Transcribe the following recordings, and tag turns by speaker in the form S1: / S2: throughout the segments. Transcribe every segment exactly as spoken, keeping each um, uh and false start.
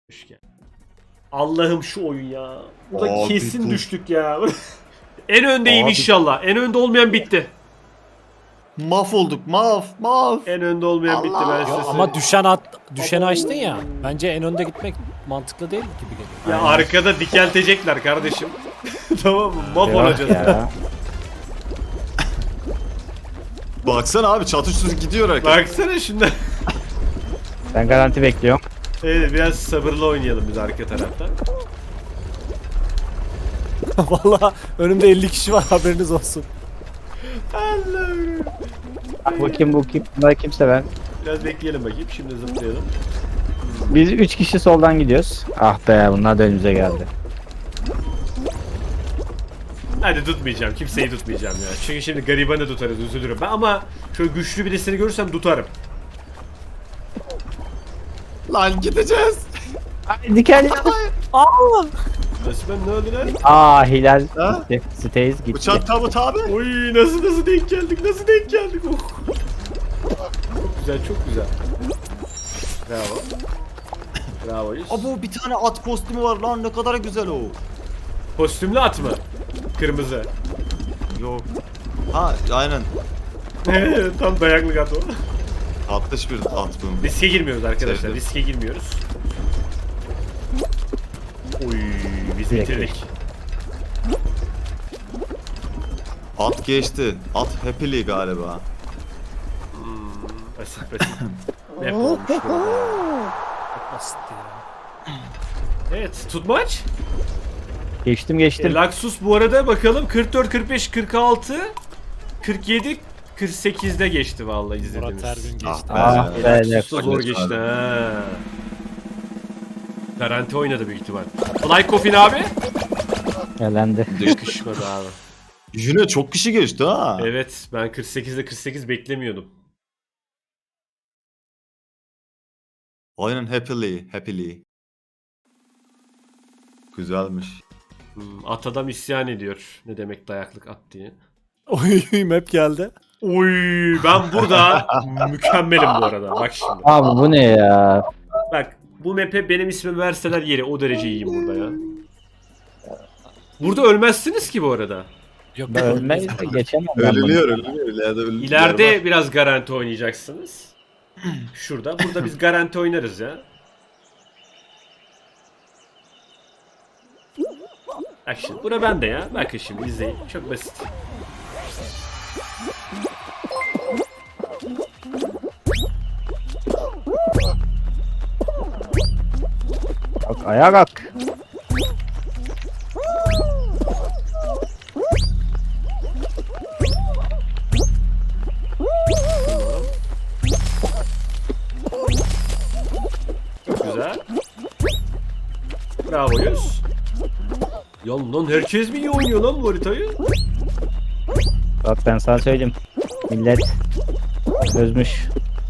S1: Hoş geldin. Allah'ım şu oyun ya. Burada
S2: Abi
S1: kesin
S2: bu-
S1: düştük ya. En öndeyim
S2: Abi-
S1: inşallah. En önde olmayan bitti.
S2: Mahvolduk. Mahv. Mahv.
S1: En önde olmayan bitti ben
S2: Allah!
S1: size
S3: Ya
S1: söyleyeyim.
S3: ama düşen at, düşeni
S1: Abo.
S3: açtın ya. Bence en önde gitmek mantıklı değil gibi geliyor.
S1: Ya arkada dikeltecekler kardeşim. Tamam mı? Maf
S4: Yok
S1: olacağız.
S4: ya.
S2: Baksana abi çatışsız gidiyor herkes.
S1: Baksana şundan.
S4: Ben garanti bekliyorum.
S1: Evet biraz sabırlı oynayalım biz arka taraftan.
S3: Vallahi önümde elli kişi var, haberiniz olsun.
S1: Allah'ım.
S4: Bu kim bu kim? Bunlar kimse ben.
S1: Biraz bekleyelim bakayım. Şimdi zıplayalım.
S4: Biz üç kişi soldan gidiyoruz. Ah be, bunlar da önümüze geldi.
S1: Hadi tutmayacağım. Kimseyi tutmayacağım ya. Çünkü şimdi garibanı tutarız. Üzülürüm ben ama şöyle güçlü birisini görürsem tutarım.
S2: Lan gideceğiz.
S4: Ay, diken.
S3: Aa!
S1: Resmen ne oldu lan?
S4: Aa, Hilal
S2: Ha?
S4: gitti. Stays gitti.
S2: Uçak tabut abi.
S1: Oy nasıl nasıl denk geldik? Nasıl denk geldik? Oh. Çok güzel, çok güzel. Bravo. Bravo. Yus.
S2: Abi bir tane at kostümü var lan, ne kadar güzel o.
S1: Kostümlü at mı? Kırmızı.
S2: Yok. Ha aynen.
S1: Tam dayaklık at o.
S2: Tatlış bir at bu.
S1: Riske girmiyoruz arkadaşlar.
S2: Sevdim.
S1: Riske girmiyoruz. Oy biz
S4: Direkt
S1: bitirdik.
S2: At geçti. At happily galiba.
S1: Basit basit. Map olmuş burada.
S3: Çok basit ya.
S1: Evet tutmaç.
S4: Geçtim
S1: E,
S4: geçtim.
S1: Laxus bu arada bakalım kırk dört, kırk beş, kırk altı, kırk yedi, kırk sekizde geçti vallahi izlediğimiz.
S3: Murat Ergün geçti.
S4: Ah
S2: be.
S4: be,
S1: Laxus da zor
S2: Laxus
S1: geçti
S2: abi.
S1: ha. Garanti oynadı büyük ihtimal. Fly Coffin abi.
S4: Elendi.
S1: Yakışmadı abi.
S2: Yine çok kişi geçti ha.
S1: Evet ben kırk sekizde kırk sekiz beklemiyordum.
S2: Aynen happily. Happily. Güzelmiş.
S1: Hmm, at adam isyan ediyor. Ne demek dayaklık at diye.
S3: Oy, map geldi.
S1: Oy ben burada mükemmelim bu arada. Bak şimdi.
S4: Abi bu ne ya?
S1: Bak bu map'e benim ismimi verseler yeri o derece iyiyim burada ya. Burada ölmezsiniz ki bu arada.
S3: Yok,
S4: Ben ölmeyiz de geçemem ben bunu.
S2: Ölünüyor ölünüyor. İleride ölünüyor.
S1: İleride biraz garanti oynayacaksınız. Şurada. Burada biz garanti oynarız ya. Bak şimdi. Bura bende ya. Bakın şimdi izleyin. Çok basit.
S4: Bak, ayağa kalk.
S1: Çok güzel. Bravo Yus. Ya lan herkes mi iyi oynuyor lan bu haritayı?
S4: Bak ben sana söyleyeyim. Millet çözmüş.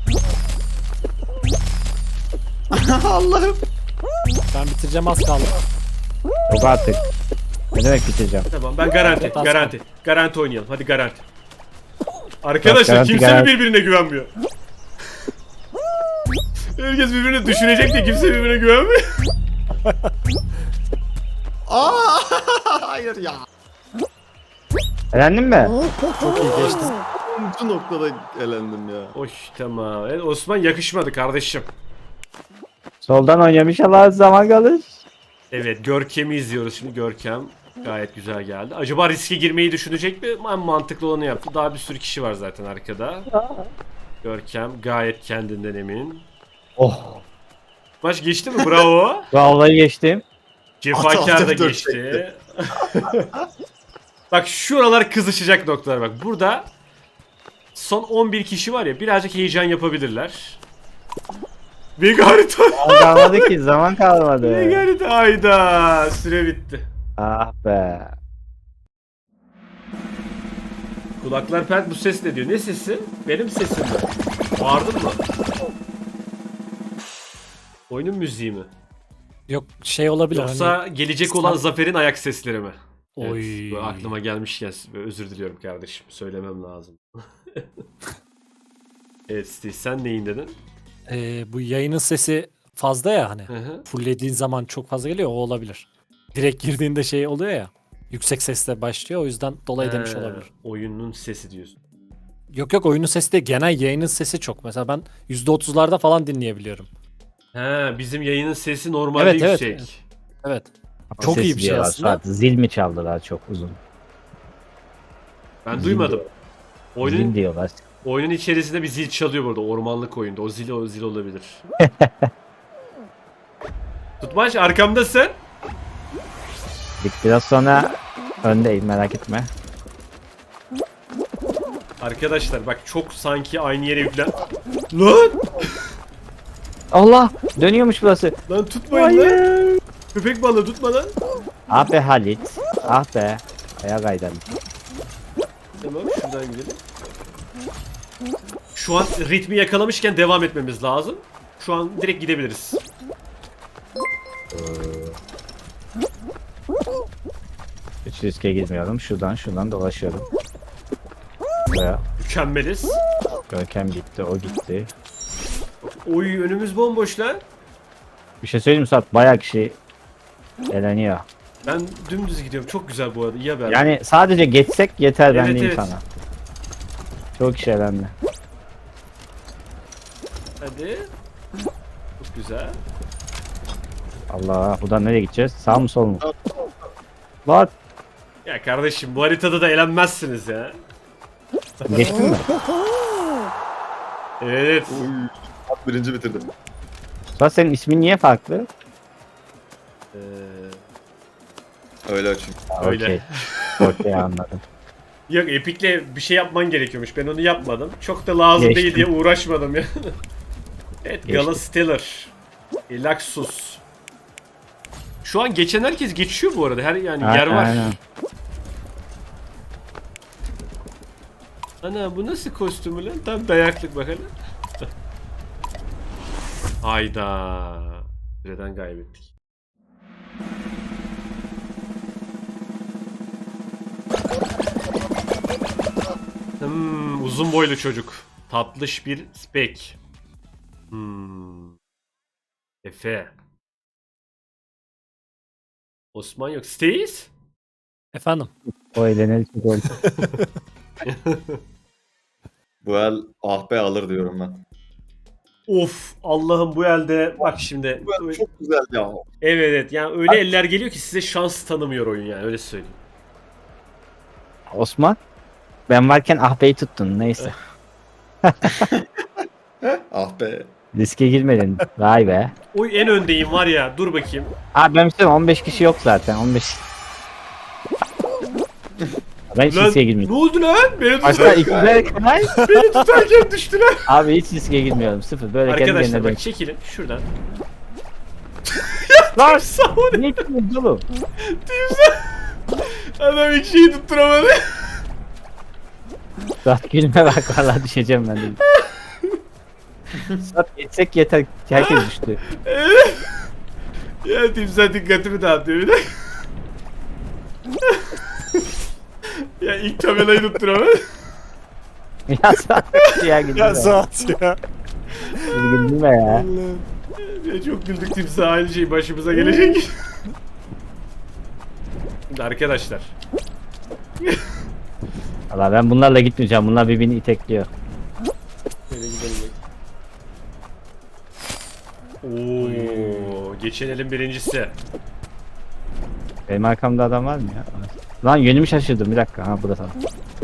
S2: Allah'ım.
S3: Ben bitireceğim, az kaldı.
S4: Yok artık. Ne demek bitireceğim?
S1: Tamam ben garanti.
S3: Evet,
S1: Garanti. Garanti oynayalım. Hadi garanti. Arkadaşlar
S4: garanti,
S1: kimse mi
S4: garanti.
S1: birbirine güvenmiyor? Herkes birbirini düşürecek de kimse birbirine güvenmiyor.
S2: Aa! Hayır ya.
S4: Elendin mi?
S3: Çok iyi geçti.
S2: Bu noktada elendim ya.
S1: Hoş tamam. Evet, Osman yakışmadı kardeşim.
S4: Soldan oynuyorum, inşallah zaman kalır.
S1: Evet Görkem'i izliyoruz şimdi. Görkem gayet güzel geldi. Acaba riske girmeyi düşünecek mi? En mantıklı olanı yaptı. Daha bir sürü kişi var zaten arkada. Görkem gayet kendinden emin.
S4: Oh.
S1: Maç geçti mi? Bravo.
S4: Vallahi geçtim.
S1: Cefakar da
S2: At, at,
S1: geçti. Bak şuralar kızışacak noktalar bak. Burada son on bir kişi var ya birazcık heyecan yapabilirler. Big harita.
S4: Zaman kalmadı ki, zaman kalmadı.
S1: Big harita. Hayda. Süre bitti.
S4: Ah be.
S1: Kulaklar pert bu ses ne diyor? Ne sesi? Benim sesim mi? Bağırdın mı? Oyunun müziği mi?
S3: Yok, şey olabilir
S1: Yoksa
S3: hani.
S1: gelecek olan Zafer'in ayak sesleri mi?
S3: Oy.
S1: Evet, bu aklıma gelmişken özür diliyorum kardeşim. Söylemem lazım. Evet Steve sen neyin dedin?
S3: Ee, bu yayının sesi fazla ya hani.
S1: Hı hı.
S3: Fulllediğin zaman çok fazla geliyor, o olabilir. Direkt girdiğinde şey oluyor ya. Yüksek sesle başlıyor, o yüzden dolayı demiş
S1: He,
S3: olabilir.
S1: Oyunun sesi diyorsun.
S3: Yok yok, oyunun sesi de genel yayının sesi çok. Mesela ben yüzde otuzlarda falan dinleyebiliyorum.
S1: He, bizim yayının sesi normalde
S3: Evet, evet,
S1: yüksek.
S3: evet. Evet. Çok
S4: Ses
S3: iyi bir şey
S4: diyorlar,
S3: aslında.
S4: Suat. Zil mi çaldılar çok uzun?
S1: Ben
S4: Zil
S1: duymadım.
S4: diyor- Zil
S1: Oyunun
S4: diyorlar.
S1: oyunun içerisinde bir zil çalıyor burada, ormanlık oyunda. O zil o zil olabilir. Tutmaç arkamdasın.
S4: Biraz sonra öndeyim, merak etme.
S1: Arkadaşlar bak, çok sanki aynı yere yüklen. Lan!
S4: Allah! Dönüyormuş burası.
S1: Lan tutmayın lan.
S4: Hayır.
S1: Köpek balığı tutma lan.
S4: Ah be Halit. Ah be. Ayağa kaydım.
S1: Tamam, şuradan gidelim. Şu an ritmi yakalamışken devam etmemiz lazım. Şu an direkt gidebiliriz.
S4: Hiç riske girmiyorum. Şuradan şuradan dolaşıyorum. Buraya.
S1: Mükemmeliz.
S4: Görkem gitti, o gitti.
S1: Oy, önümüz bomboş lan.
S4: Bir şey söyleyeyim mi Suat? Bayağı kişi eleniyor.
S1: Ben dümdüz gidiyorum. Çok güzel bu arada. İyi haber.
S4: Yani sadece geçsek yeter, ben
S1: Evet,
S4: diyeyim
S1: evet.
S4: sana. Çok kişi elendi.
S1: Hadi. Çok güzel.
S4: Allah, buradan nereye gideceğiz? Sağ mı sol mu? Bak,
S1: Ya kardeşim, bu haritada da elenmezsiniz ya.
S4: geçtin mi?
S1: Evet.
S2: Uy. Suat birinci bitirdim.
S4: Suat, senin ismin niye farklı?
S1: Ee,
S2: Öyle açayım.
S1: Öyle.
S4: Okey. Okey, anladım.
S1: yok, Epic'le bir şey yapman gerekiyormuş. Ben onu yapmadım. Çok da lazım
S4: Geçtim.
S1: değil diye uğraşmadım ya. Evet,
S4: Geçtim.
S1: Gala Stellar. Elaxus. Şu an geçen herkes geçiyor bu arada. Her yani yer
S4: Aynen,
S1: var.
S4: aynen.
S1: Ana, bu nasıl kostümü lan? Tam dayaklık bakalım. Hayda. Süreden kaybettik. Hmm, uzun boylu çocuk. Tatlış bir spek. Hmm. Efe. Osman yok. Stace?
S3: Efendim.
S4: O eğleneli çok oldu.
S2: Bu el ah be alır diyorum ben.
S1: Of, Allah'ım, bu elde bak şimdi.
S2: Bu el çok güzel ya.
S1: Evet evet, yani öyle eller geliyor ki size şans tanımıyor oyun, yani öyle söyleyeyim.
S4: Osman, ben varken ah beyi tuttun, neyse.
S2: Ah be.
S4: Riske girmedin. Vay be.
S1: Oy, en öndeyim var ya, dur bakayım.
S4: Abi ben söyleyeyim, on beş kişi yok zaten. on beş. Ben hiç
S1: Lan,
S4: riske
S1: ne
S4: girmiyorum.
S1: oldu lan? Beni,
S4: Başta
S1: tutar,
S4: ikide kolay.
S1: beni tutarken düştüler.
S4: Abi hiç riske girmiyorum. Sıfır. Böyle kendi
S1: Arkadaşlar
S4: kendine
S1: bak,
S4: dön.
S1: çekilin şuradan.
S4: Lan!
S1: Sağ ol.
S4: Ne yapıyorsun oğlum?
S1: Adam hiç şeyi tutturamadı.
S4: Suat gülme bak, valla düşeceğim ben de. Suat geçsek yeter. Herkes düştü.
S1: Ya timsah dikkatimi dağıtıyor bir de. Ya ilk tabelayı tutturamadı.
S4: Ya Suat ya gülme.
S3: Ya Suat ya.
S4: Gülme ya.
S1: Ya çok güldük, timsah aynı şey başımıza gelecek. Şimdi arkadaşlar.
S4: Valla ben bunlarla gitmeyeceğim. Bunlar birbirini itekliyor.
S1: Şöyle gidelim. Oo, geçen elin birincisi.
S4: Benim arkamda adam var mı ya? Lan yönümü şaşırdım, bir dakika. Ha, bu da sana.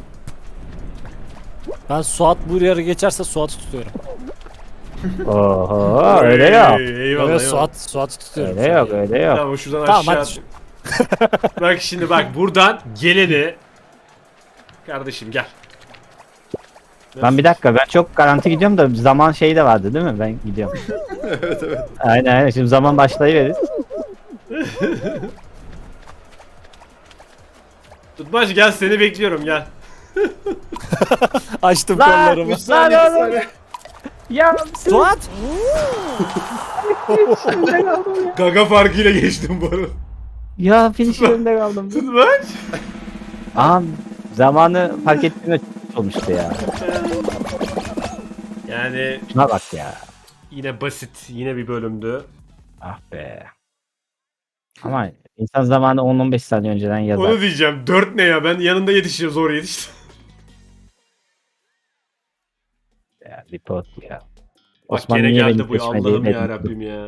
S3: Ben Suat bu yarı geçerse Suat'ı tutuyorum.
S4: Oho, öyle yok.
S1: Eyvallah,
S3: Evet,
S1: eyvallah.
S3: Suat, Suat'ı tutuyorum.
S4: Öyle yok, öyle yok.
S1: Tamam, şuradan
S3: Tamam,
S1: aşağı.
S3: hadi.
S1: Bak şimdi, bak buradan geleni. Kardeşim gel.
S4: Ben bir dakika, ben çok garanti gidiyorum da zaman şeyi de vardı değil mi? Ben gidiyorum.
S2: Evet evet.
S4: Aynen aynen, şimdi zaman başlayıverir.
S1: Tutmaç gel, seni bekliyorum, gel.
S3: Açtım
S4: Lan,
S3: kollarımı.
S4: lan oğlum. Ya
S3: Suat!
S1: Gaga farkıyla geçtim bu arada.
S4: Ya finish önünde kaldım.
S1: Tutmaç.
S4: Aa, zamanı fark ettiğimde çok olmuştu ya.
S1: Yani
S4: Şuna bak ya.
S1: Yine basit, yine bir bölümdü.
S4: Ah be. Ama insan zamanı on on beş saniye önceden yazar.
S1: Onu diyeceğim. dört ne ya? Ben yanında yetişiyor, zor yetiştim.
S4: Ya, report ya.
S1: Bak
S4: Osman
S1: gene
S4: niye
S1: geldi
S4: beni
S1: bu ya.
S4: seçmedi,
S1: Allah'ım
S4: dedim.
S1: ya Rabbim ya.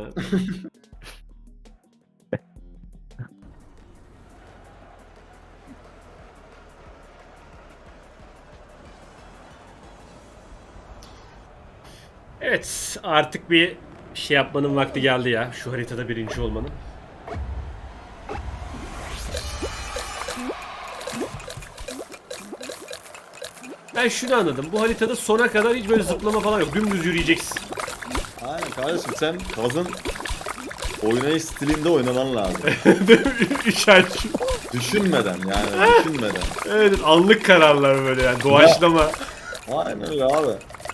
S1: Evet, artık bir şey yapmanın vakti geldi ya. Şu haritada birinci olmanın. Ben şunu anladım. Bu haritada sona kadar hiç böyle zıplama falan yok. Dümdüz yürüyeceksin.
S2: Aynen kardeşim, sen kazın oynayış stilinde oynaman lazım.
S1: Üç ay.
S2: Düşünmeden yani düşünmeden.
S1: Evet, anlık kararlar böyle yani. Doğaçlama.
S2: Aynen öyle abi.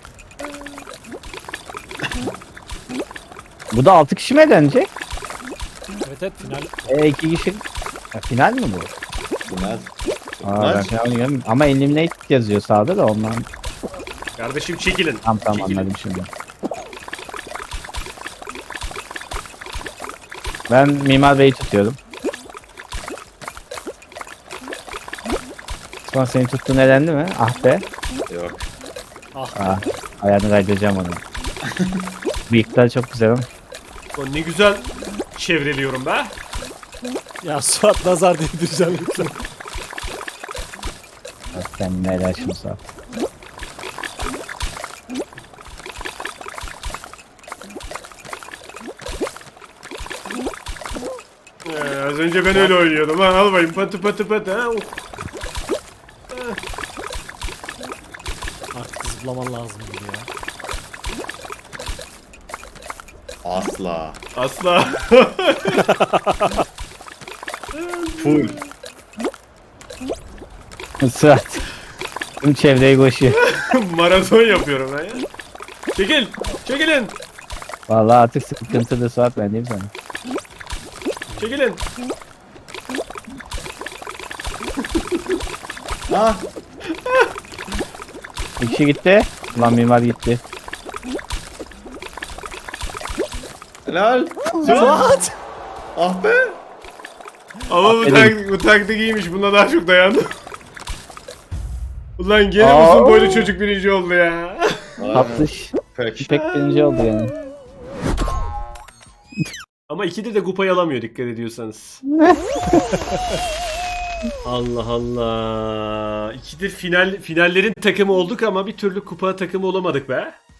S4: Bu da altı kişi mi eğlenecek?
S3: Evet evet final.
S4: E iki kişi. Ya, final mi bu?
S2: Bunlar.
S4: Aa,
S2: Bunlar-
S4: ben final oynayamıyorum. Ama eliminate yazıyor sağda da ondan.
S1: Kardeşim çekilin.
S4: Tamam tamam
S1: Çekilin.
S4: anladım şimdi. Ben Mimar Bey'i tutuyorum. Osman seni tuttuğun elendi mi? Ah be.
S2: Yok.
S4: Ah, ayağını kaydıracağım onu. Bıyıklar çok güzel ama.
S1: Ulan ne güzel çevreliyorum be.
S3: Ya Suat nazar değdireceğim lütfen.
S4: Bak sen neler şimdi sağ.
S1: Ee, az önce ben öyle oynuyordum. Ha, al bakayım patı patı patı. Ha. Of.
S3: Artık zıplaman lazım gibi ya.
S2: Asla.
S1: Asla.
S2: Full.
S4: Suat. Tüm çevreyi koşuyor.
S1: Maraton yapıyorum ben ya. Çekil. Çekilin.
S4: Vallahi artık sıkıntı da Suat, ben diyeyim sana.
S1: Çekilin.
S2: Ha?
S4: Bir kişi gitti. Ulan Mimar gitti.
S2: Helal.
S3: Suat!
S2: Ah be.
S1: Ama bu,
S4: Aferin.
S1: tak bu taktik iyiymiş. Buna daha çok dayandım. Ulan gene
S4: Aa.
S1: uzun boylu çocuk birinci oldu ya.
S4: Tatlış.
S2: Peki.
S4: Pek birinci oldu yani.
S1: Ama ikide de kupayı alamıyor dikkat ediyorsanız. Allah Allah. İkidir final finallerin takımı olduk ama bir türlü kupa takımı olamadık be.